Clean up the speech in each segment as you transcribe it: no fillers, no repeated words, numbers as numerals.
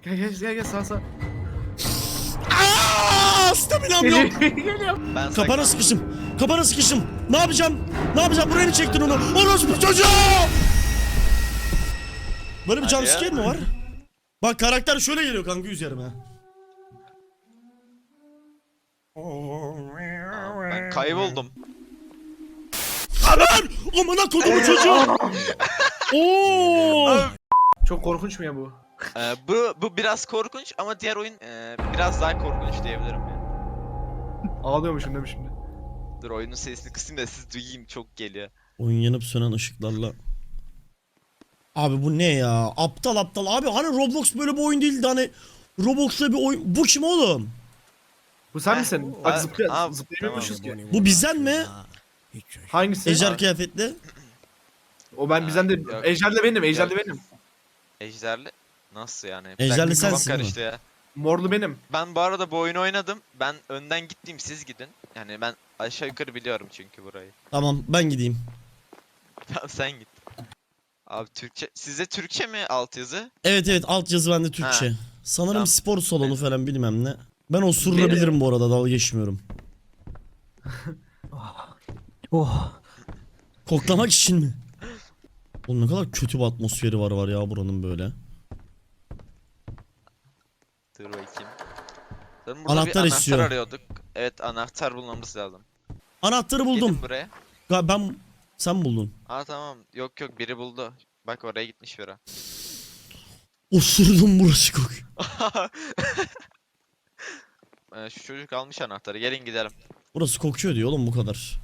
Gel sağ. Aaa! Staminam yok. Geliyorum. Ben Kapana sıkıştım. Kapana sıkıştım. Ne yapacağım? Ne yapacağım? Buraya mı çektin onu? Orospu çocuğu! Böyle bir Hadi jumpscare ya. mi var? Bak karakter şöyle geliyor kanka üzerime. Ben kayboldum. Aman! Amına kodumu çocuğu! Oo! Çok korkunç mu ya bu? Bu biraz korkunç ama diğer oyun biraz daha korkunç diyebilirim ya. Ağlıyormuşum değil mi şimdi? Dur oyunun sesini kısayım da siz duyayım, çok geliyor. Oyun yanıp sönen ışıklarla. Abi bu ne ya? Aptal aptal. Abi hani Roblox böyle bir oyun değildi hani. Roblox'ta bir oyun. Bu kim oğlum? Bu sen Heh, misin? Bak tamam. zıplayamıyormuşuz ki. Bu bizden mi? Hangisi? Ejder kıyafetli. O ben bizden de. Yok. Ejder'le benim. Ejder'le Yok. benim. Ejderli nasıl yani? Ejderli Kafam sensin değil mi? karıştı ya. Morlu benim. Ben bu arada bu oyunu oynadım. Ben önden gittim, siz gidin. Yani ben aşağı yukarı biliyorum çünkü burayı. Tamam ben gideyim. Tamam sen git. Abi Türkçe, size Türkçe mi altyazı? Evet altyazı bende Türkçe. Ha. Sanırım Tamam. spor salonu falan bilmem ne. Ben osurulabilirim bu arada, dalga geçmiyorum. Oh. Koklamak için mi? Oğlum ne kadar kötü bir atmosferi var ya buranın böyle. Dur bakayım. Sonra burada Anahtar bir istiyor. anahtar arıyorduk. Evet, anahtar bulmamız lazım. Anahtarı buldum. Gelin buraya. Sen buldun. Aa tamam. Yok biri buldu. Bak oraya gitmiş biri. Osurdum, burası kokuyor. Şu çocuk almış anahtarı. Gelin gidelim. Burası kokuyor diyor oğlum, bu kadar.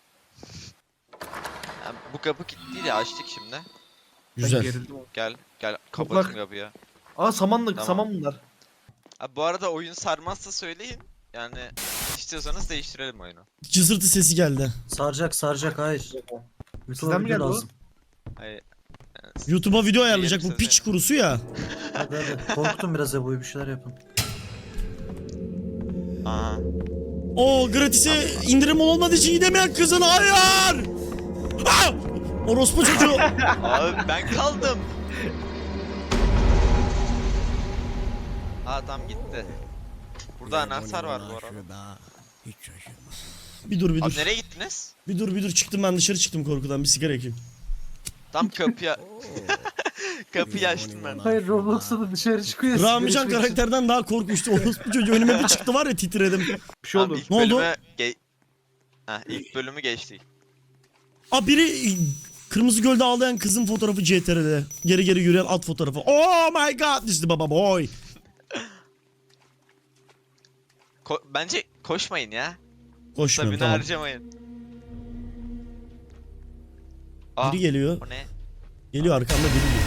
Ya, bu kapı kilitliydi, açtık şimdi. Ben Güzel. gerildim. Gel Toplak. kapatın kapıyı. Aa samanlık. Tamam. Saman bunlar. Abi bu arada oyun sarmazsa söyleyin. Yani istiyorsanız değiştirelim oyunu. Cızırtı sesi geldi. Saracak hayır. Sizden mi geldi o? Hayır. YouTube'a video ayarlayacak Diyelim bu piç size. kurusu ya. Hadi. Korkutun biraz Ebo'yu, bir şeyler yapın. Aha. O gratis'e indirim olmadığı için gidemeyen kızın, hayır! Ah! Orospu çocuğu. Abi ben kaldım. Aa tam gitti. Burada anahtar var bu arada. Bir dur Abi nereye gittiniz? Bir dur çıktım, ben dışarı çıktım korkudan, bir sigara yakayım. Tam kapıya... Kapıyı açtım ben. Hayır, Roblox'ta da dışarı çıkıyor. Ramican karakterden daha korkunçtu. Orospu çocuğu önüme bir çıktı var ya, titredim. Bir şey oldu. Tamam, ilk Ne oldu? bölüme ilk bölümü geçtik. Aa, biri Kırmızı Göl'de ağlayan kızın fotoğrafı CTR'de. Geri yürüyen at fotoğrafı. Oh my god, this is baba boy. Bence koşmayın ya. Koşmuyorum, Sabine tamam. harcamayın. Aa, Biri geliyor. o ne? Geliyor arkamda biri geliyor.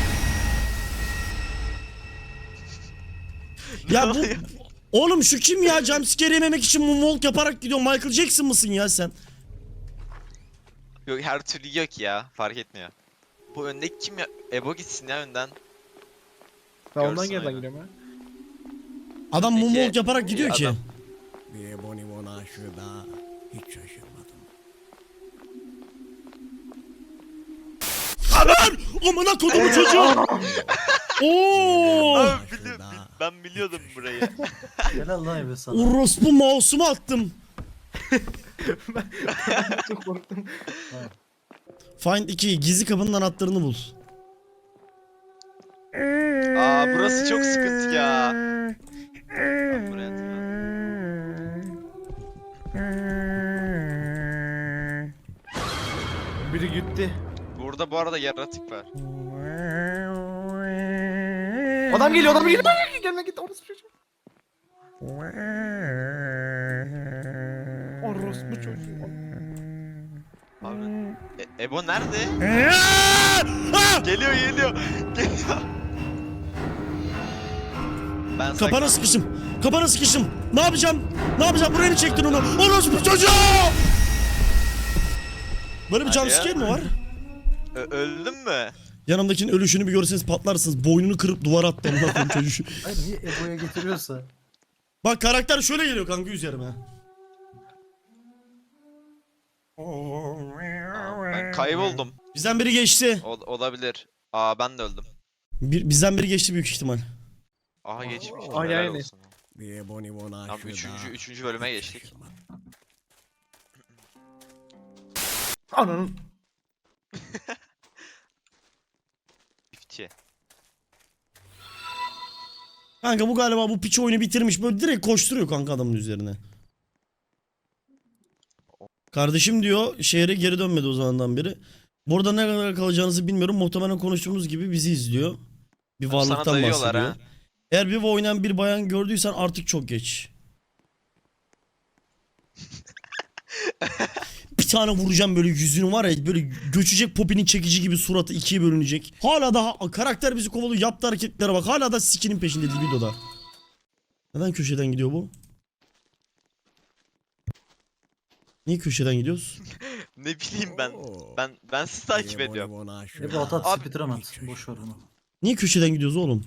Ya bu... Oğlum şu kim ya? Jumpscare yememek için moonwalk yaparak gidiyor. Michael Jackson mısın ya sen? Yok her türlü yok ya, fark etmiyor. Bu öndeki kim ya? Ebo gitsin ya önden. Ben ondan Görsün geriden oyunu. giriyorum ya. Adam Peki, moonwalk yaparak gidiyor ki. adam- Bir Ebony aşığına hiç şaşırmadım. Aman! Amına kodumu çocuğu! Oo! Abi ben biliyordum burayı. Helal lan Ebe sana. Orospu mouse'umu attım. Çok korktum. Find 2, gizli kapının anahtarını bul. Aa burası çok sıkıntı ya. Ben buraya atayım. Biri gitti. Burada bu arada yaratık var. Adam geliyor. Gelme git orası çocuğum. Orospu çocuğu. Abi. Ebo nerede? Ah! Geliyor. Ben Kapana sıkıştım. Ne yapacağım? Buraya mı çektin onu? Orospu çocuğu! Böyle bir Hadi ya. jumpscare mi var? Öldün mü? Yanımdakinin ölüşünü bir görseniz patlarsınız. Boynunu kırıp duvara attı amına koyayım çocuğu. Hayır, niye Ebo'ya getiriyorsa? Bak karakter şöyle geliyor kanka üzerime. Ben kayboldum. Bizden biri geçti. Olabilir. Aa ben de öldüm. Bizden biri geçti büyük ihtimal. Aha geçmiş. Aynen, Helal aynen. olsun. Bir Ebony One Tamam aşığı üçüncü bölüme geçtik. şaşırmadım. Ananın. Çiftçi. Kanka bu galiba bu piç oyunu bitirmiş. Böyle direkt koşturuyor kanka adamın üzerine. Kardeşim diyor şehre geri dönmedi o zamandan beri. Burada ne kadar kalacağınızı bilmiyorum. Muhtemelen konuştuğumuz gibi bizi izliyor. Bir Sana varlıktan dayıyorlar bahsediyor. ha. Eğer bir oynayan bir bayan gördüysen artık çok geç. Bir tane vuracağım böyle yüzünü var ya böyle göçecek Poppy'nin çekici gibi suratı ikiye bölünecek. Hala daha karakter bizi kovalıyor yaptığı hareketlere bak hala da sikinin peşinde videoda. Neden köşeden gidiyor bu? Niye köşeden gidiyoruz? Ne bileyim ben. Oo. Ben sizi takip Bir Ebony ediyorum. One aşığı Ebo at at Abi- speedrun at. Hiç Boş ver onu. Niye köşeden gidiyoruz oğlum?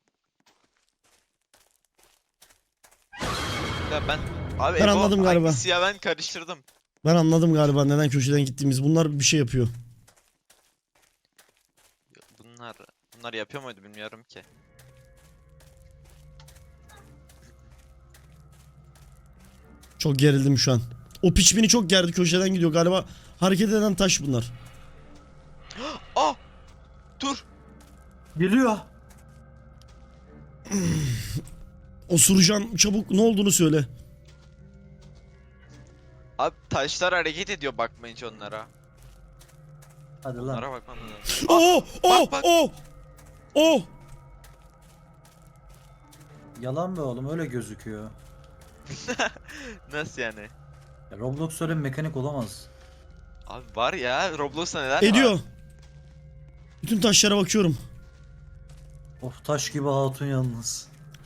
Ya ben abi Ben Ebo anladım galiba. hangisi ya ben karıştırdım. Ben anladım galiba neden köşeden gittiğimiz. Bunlar bir şey yapıyor. Bunlar yapıyor muydu bilmiyorum ki. Çok gerildim şu an. O piç beni çok gerdi köşeden gidiyor galiba. Hareket eden taş bunlar. Ah! Dur. Geliyor. Osuracağım çabuk ne olduğunu söyle. Abi taşlar hareket ediyor bakmayınca onlara. Hadi lan. Onlara bakmam lazım. Oh oh bak. oh. Oh. Yalan be oğlum öyle gözüküyor. Nasıl yani? Ya Roblox öyle bir mekanik olamaz. Abi var ya Roblox'ta neler Ediyor. var? Bütün taşlara bakıyorum. Of taş gibi hatun yalnız.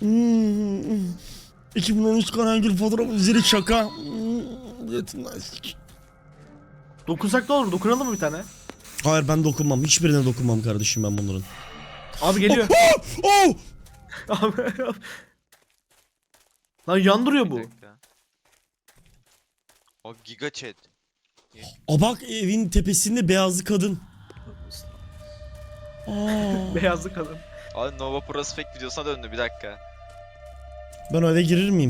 2013 Karangül fotoğrafı üzeri şaka. Yetimden sik. Dokunsak ne olur? Dokunalım mı bir tane? Hayır ben dokunmam. Hiçbirine dokunmam kardeşim ben bunların. Abi geliyor. Oh! Abi. Lan yandırıyor Bir bu. dakika. O giga chat. A bak evin tepesinde beyazlı kadın. Aa, Beyazlı kadın. Abi Nova Prospect videosuna döndü bir dakika. ben o eve girir miyim?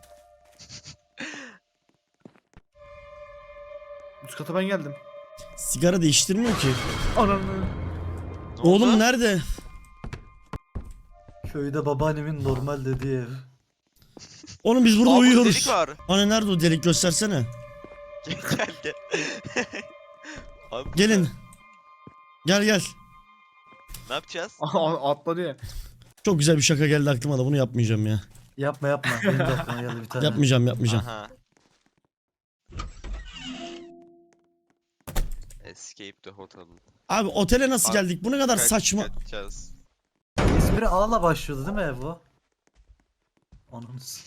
Üst kata ben geldim. Sigara değiştirmiyor ki. Ananı. Ne Oğlum oldu? nerede? Köyde babaannemin normal dediği ev. Oğlum biz burada Aa, burada uyuyoruz. delik var. Hani nerede o delik göstersene. Gel. Abi, Gelin. Gel gel. Ne yapacağız? Atladı ya. Çok güzel bir şaka geldi aklıma da bunu yapmayacağım ya. Yapma yapma. Benim de aklıma geldi bir tane. Yapmayacağım. Aha. Escape the hotel. Abi otele nasıl Abi, geldik? Bu ne kadar saçma. Kaçacağız. İsmini A'la başlıyordu değil mi ev bu? Ananız.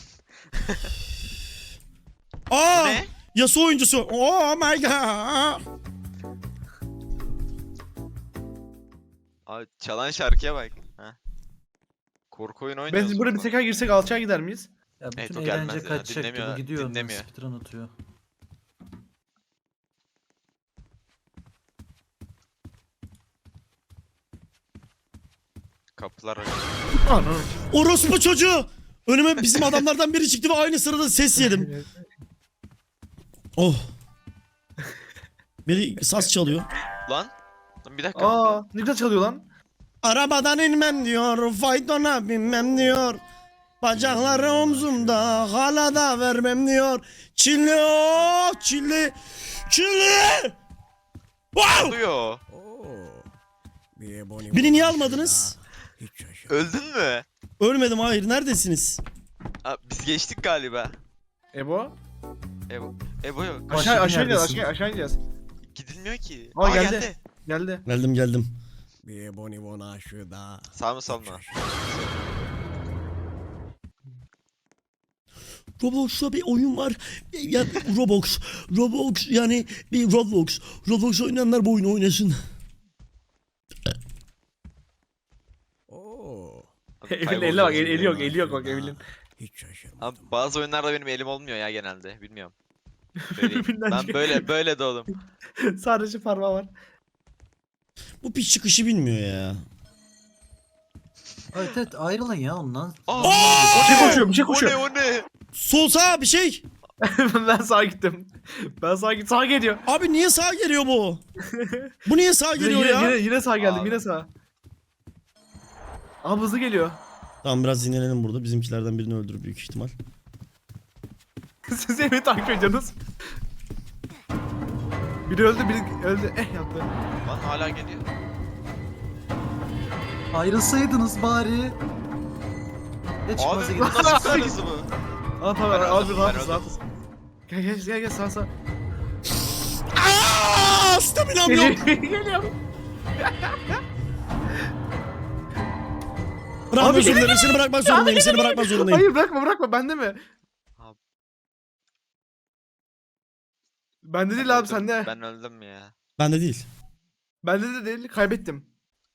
Aa! Ne? Yasuo oyuncusu. Oh my god. Abi çalan şarkıya bak. Ha. Korku oyunu oynuyoruz. Biz buraya bir tekrar girsek alçağa gider miyiz? Ya bütün Evet, o gelmez eğlence ya, kaçacak dinlemiyor, gibi gidiyor. dinlemiyor. Speedrun atıyor. Kapılar Ananı. Orospu çocuğu. Önüme bizim adamlardan biri çıktı ve aynı sırada ses yedim. Oh. Biri saz çalıyor. Lan. Lan bir dakika. Aa, ne güzel çalıyor lan. Arabadan inmem diyor, faytona binmem diyor. Bacakları omzumda, hala da vermem diyor. Çilli oh, çilli. Çilli. Wow! Oluyor. Oo. Bir Ebony Beni One niye aşığı almadınız? daha hiç şaşırmadım. Öldün mü? Ölmedim hayır, neredesiniz? Abi, biz geçtik galiba. Ebo. Ebo yok. Aşağı Başka aşağı ineceğiz, neredesin? aşağı ineceğiz. Gidilmiyor ki. Aa, geldi. Geldi. Geldim. Bir Ebony One aşığı daha Sağ mı sol hiç mu? şaşırmadım. Roblox'ta bir oyun var. Ya Roblox yani bir Roblox. Roblox oynayanlar bu oyunu oynasın. Oo. Abi, Evelyn kayboldu. eline bak, eli yok bak Evelyn. Hiç şaşırmadım. Abi bazı oyunlarda benim elim olmuyor ya genelde. Bilmiyorum. Söyleyeyim. Birbirinden Ben çıkıyor. böyle doğdum. Sadece parmağı var. Bu piç çıkışı bilmiyor ya. Evet evet ayrılın ya ondan. Aa! Bir şey koşuyor, bir şey O koşuyor. ne o ne? Sol sağ bir şey. Ben sağa gittim. Ben sağa gittim. Sağa geliyor. Abi niye sağa geliyor bu? Bu niye sağa Yine, geliyor ya? yine sağa geldim. Abi. Yine sağa. Abi hızlı geliyor. Tamam biraz dinlenelim burada. Bizimkilerden birini öldürür büyük ihtimal. Siz beni takip ediyorsunuz. Biri öldü, biri öldü. Yaptı. Lan hala geliyor. Ayrılsaydınız bari. Ne çıkmazsa Abi gidin. bu nasıl bir hızı bu? Aa tamam Ben abi öldüm, rahat ben mısın, rahat mısın? Gel sağ sağ. Aaaa! Staminam yok. Geliyor. Bırakmak Abi- zorundayım. Seni bırakmak zorundayım. Seni bırakmak zorundayım. Hayır bırakma bende mi? Abi. Bende değil abi sende. Ben öldüm ya. Bende değil. Bende de değil kaybettim.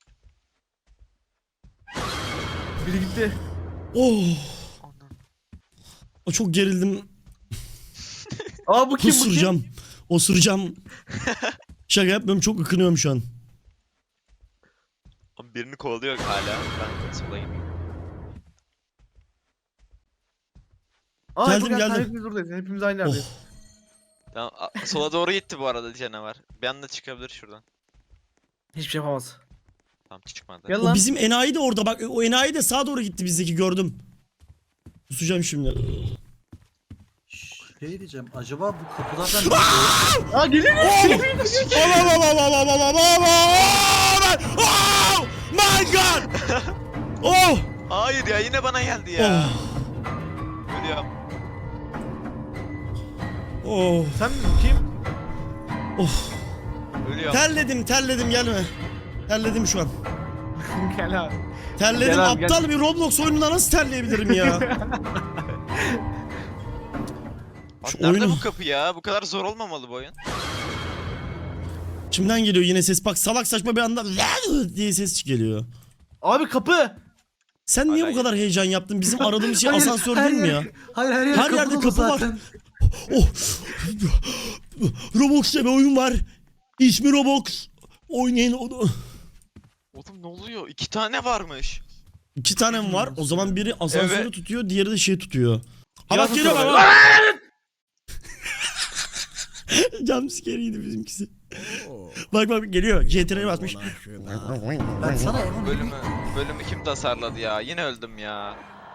Biri gitti. Oh. O çok gerildim. Aa bu kim bu kim? Kusuracağım. Osuracağım. Şaka yapmıyorum. Çok ıkınıyorum şu an. Abi birini kovalıyor hala. Ben sola gidiyorum. Aa, Geldim, gel, geldim. Hepimiz buradayız. Hepimiz aynı Oh. yerdeyiz. Tamam sola doğru gitti bu arada canavar. Bir anda çıkabilir şuradan. Hiçbir şey yapamaz. Tamam çıkmadı. Gel O lan. bizim enayi de orada. Bak o enayi de sağa doğru gitti bizdeki gördüm. Kusacağım şimdi. Şey diyeceğim acaba bu kapılardan ne Aa geliyor. Oh my god! Oh! Hayır ya yine bana geldi ya. Oh! Ölüyorum. Oh. Sen kim? Of! Ölüyorum. Terledim gelme. Terledim şu an. Gel abi. Terledim Gel abi, aptal bir Roblox oyununda nasıl terleyebilirim ya? Abi Şu nerede oyunu- bu kapı ya? Bu kadar zor olmamalı bu oyun. Kimden geliyor yine ses? Bak salak saçma bir anda diye ses geliyor. Abi kapı. Sen niye Hala bu kadar heyecan yaptın? Bizim aradığımız şey Hayır, asansör her değil mi ya? yer- Hayır her yer Her yerde dolu kapı var. zaten. Oh! Roblox'ta bir oyun var. İsmi Roblox. Oynayın onu. Oğlum ne oluyor? 2 tane varmış. 2 tane mi var? O zaman biri asansörü Evet. tutuyor, diğeri de şey tutuyor. Ha Ya bak geliyor tutuyor bak. Jumpscare'iydi bizimkisi. Oh, Bak geliyor. CTR'ye basmış. Boni aşağıda. Ben sana emin Bölümü kim tasarladı ya? Yine öldüm ya.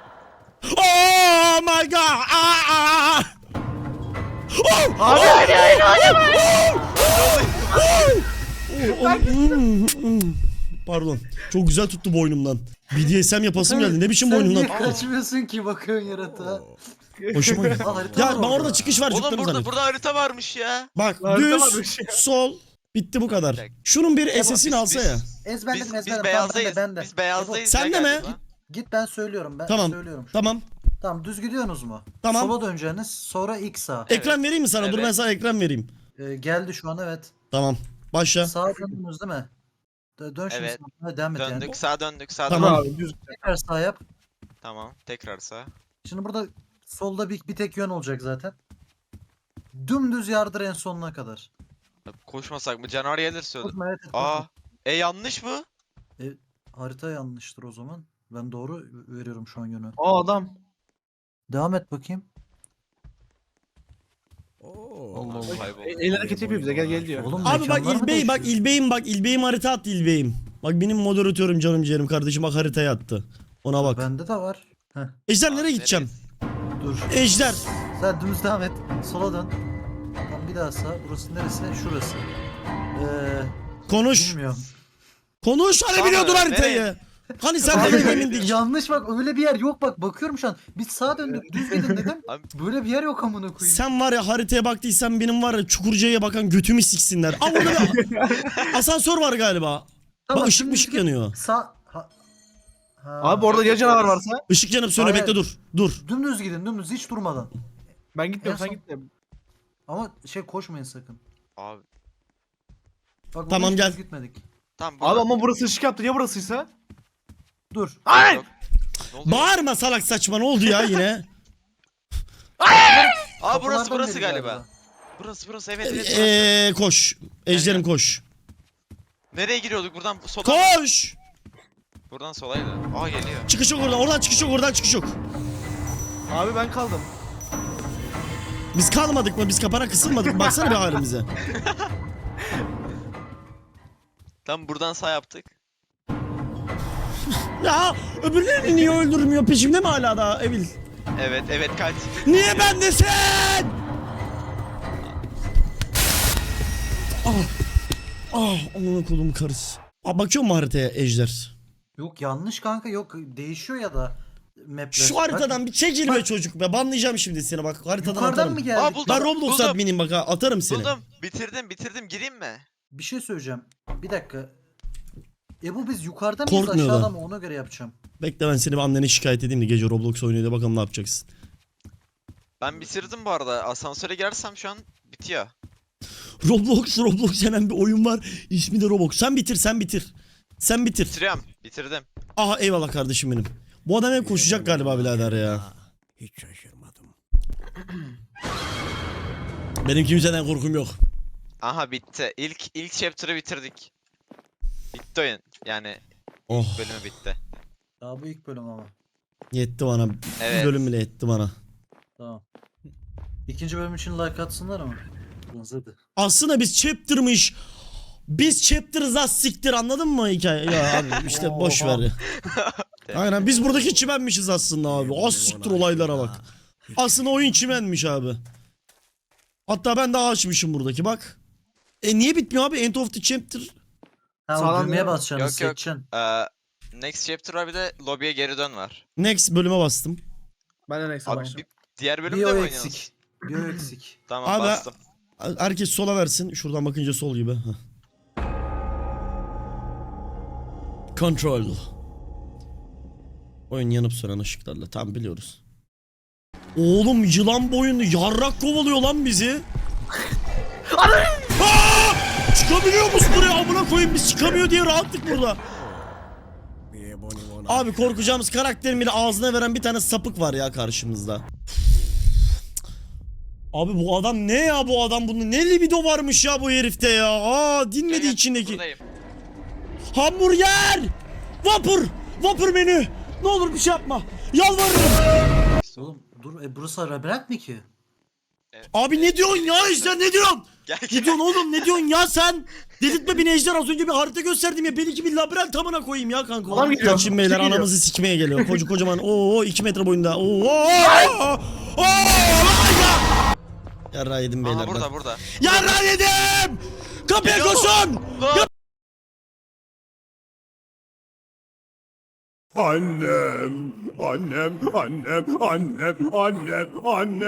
Oh my god! Aa! Oh! Abi Pardon. Çok güzel tuttu boynumdan. BDSM yapasım geldi. Ne biçim Sen boynumdan? niye kaçmıyorsun ki bakıyorsun yaratığa? Oh, Hoşuma gitti. Aa, harita Ya var ben orada çıkış var. Oğlum cıklarım burada zannettim. harita varmış ya. Bak Harita düz, varmış ya. sol. Bitti bu kadar. Şunun bir SS'ini biz- alsa biz- ya. Ezberledim Biz ezberledim. beyazdayız. Ben de. Biz beyazdayız. Sen ya de mi? galiba. Git ben söylüyorum. Ben Tamam. söylüyorum. Tamam. Tamam düz gidiyorsunuz mu? Tamam. Sola döneceğiniz sonra ilk sağ. Ekran vereyim mi sana? Dur Evet. ben sana ekran vereyim. Geldi şu an evet. Tamam. Başla. Sağa döndünüz değil mi? Dön şimdi Evet. sağa devam et yani. Döndük sağ döndük sağ Tamam. döndük. abi düz. Tekrar sağ yap. Tamam tekrar sağ. Şimdi burada solda bir tek yön olacak zaten. Dümdüz yardır en sonuna kadar. Koşmasak mı? Canavar gelirse öldüm. Korkma, evet, Aa. korkma. Yanlış mı? Harita yanlıştır o zaman. Ben doğru veriyorum şu an yönü. Aa adam. Devam et bakayım. oh. Allah Allah. Kayboldu. El hareket yapıyor bize gel diyor. Oğlum Abi bak mekanlar mı İlbey bak değişiyor? İlbey'im harita attı İlbey'im. Bak benim moderatörüm canım ciğerim kardeşim bak haritaya attı. Ona bak. Bende de var. Heh, Ejder Abi, nereye gideceğim? dur. Ejder. Sen dümdüz devam et. Sola dön. Tamam bir daha sağ. Burası neresi? Şurası. Konuş. Bilmiyorum. Konuş hani Sana biliyordun ne? haritayı. Hani sen Abi, de emindik. yanlış bak öyle bir yer yok bak bakıyorum şu an. Biz sağa döndük düz gidin dedim. Abi- Böyle bir yer yok amına koyayım. Sen var ya haritaya baktıysan benim var ya Çukurca'ya bakan götümü siksinler. Aa orada bir asansör var galiba. Bak ışık şimdi ışık git. yanıyor. Ha, Abi orada ya canavar varsa. Işık yanıp sönüyor Hayır. bekle dur. Dur. Dümdüz gidin dümdüz hiç durmadan. Ben gitmiyorum En sen son- gitme. Ama koşmayın sakın. Abi. Bak burada Tamam, hiç gel. düz gitmedik. Tamam Abi ama burası ışık yaptı ya burasıysa? Dur. Ay! Yok. Ne oluyor? Bağırma salak saçma ne oldu ya yine? Aa burası Kapılardan burası biri galiba. Burası evet evet. Koş. Ejderim koş. Nereye giriyorduk buradan sola mı? Koş. Buradan solaydı. Aa geliyor. Çıkış yok oradan. Oradan çıkış yok. Oradan çıkış yok. Abi ben kaldım. Biz kalmadık mı? Biz kapana kısılmadık mı? Baksana bir halimize. Tam buradan sağ yaptık. Ya öbürlerini niye öldürmüyor? Peşimde mi hala da Evil? Evet evet kaç. Niye bendesin? Amına kolum karısı. Bakıyor mu haritaya Ejder? Yok yanlış kanka, yok değişiyor ya da mapler. Şu haritadan bir çekil be çocuk be. Banlayacağım şimdi seni bak. Haritadan Yukarıdan atarım. mı geldik? Aa, buldum. Ben Roblox Buldum. adminiyim bak ha. Atarım seni. Buldum. Bitirdim. Gireyim mi? Bir şey söyleyeceğim. Bir dakika. Bu biz yukarıda mıyız Korkmuyor aşağıda da. mı, ona göre yapacağım. Bekle ben seni bir annene şikayet edeyim de gece Roblox oynuyor da bakalım ne yapacaksın. Ben bitirdim bu arada. Asansöre girersem şu an bitiyor. Roblox denen bir oyun var. İsmi de Roblox. Sen bitir. Sen bitir. Bitiriyorum. Bitirdim. Aha eyvallah kardeşim benim. Bu adam hep koşacak galiba birader ya. Hiç şaşırmadım. Benim kimseden korkum yok. Aha bitti. İlk chapter'ı bitirdik. Bitti oyun. Yani Oh bölümü bitti. Daha bu ilk bölüm ama. yetti bana. Evet. Bir bölüm bile yetti bana. Tamam. İkinci bölüm için like atsınlar ama. Hadi. Aslında biz chapter'ız az siktir anladın mı hikaye? Ya abi işte boş ver. Aynen biz buradaki çimenmişiz aslında abi. Az siktir olaylara bak. Aslında oyun çimenmiş abi. Hatta ben daha açmışım buradaki bak. Niye bitmiyor abi? End of the chapter. Ha, o Sağlam düğmeye ya. basacaksın, Yok, yok. seçeceksin. Next chapter var bir de lobby'ye geri dön var. Next bölüme bastım. Ben de neyse Abi başladım. diğer Bir bölümde mi o oynuyorsunuz? eksik. Bir o eksik. Tamam Abi- bastım. Herkes sola versin. Şuradan bakınca sol gibi. Heh. Control. Oyun yanıp sönen ışıklarla. Tam biliyoruz. Oğlum yılan boyunlu yarrak kovalıyor lan bizi. Aa! Çıkabiliyor musun buraya amına koyayım, biz çıkamıyor diye rahatlık burada. Bir bonibona. Abi korkacağımız karakterin bile ağzına veren bir tane sapık var ya karşımızda. Abi bu adam ne ya, bu adam bunun ne libido varmış ya bu herifte ya. Dinmedi Gel, içindeki. Buradayım. Hamburger! Vapur menü! Ne olur bir şey yapma. Yalvarırım. Oğlum dur, burası labirent mi ki? Abi ne diyorsun ya Ejder, ne diyorsun? Gel Ne gel. diyorsun oğlum, ne diyorsun ya sen? Dedirtme beni Ejder, az önce bir harita gösterdim ya. Belki bir labirent tamına koyayım ya kanka. Adam geliyor. Kaçın beyler, Geliyor. anamızı sikmeye geliyor. Kocaman 2 metre boyunda. Yarra yedim beyler Aha ben. burada. Yarra yedim! Kapıya Geliyor. koşun! Lan! Annem, annem, annem, annem, annem, annem.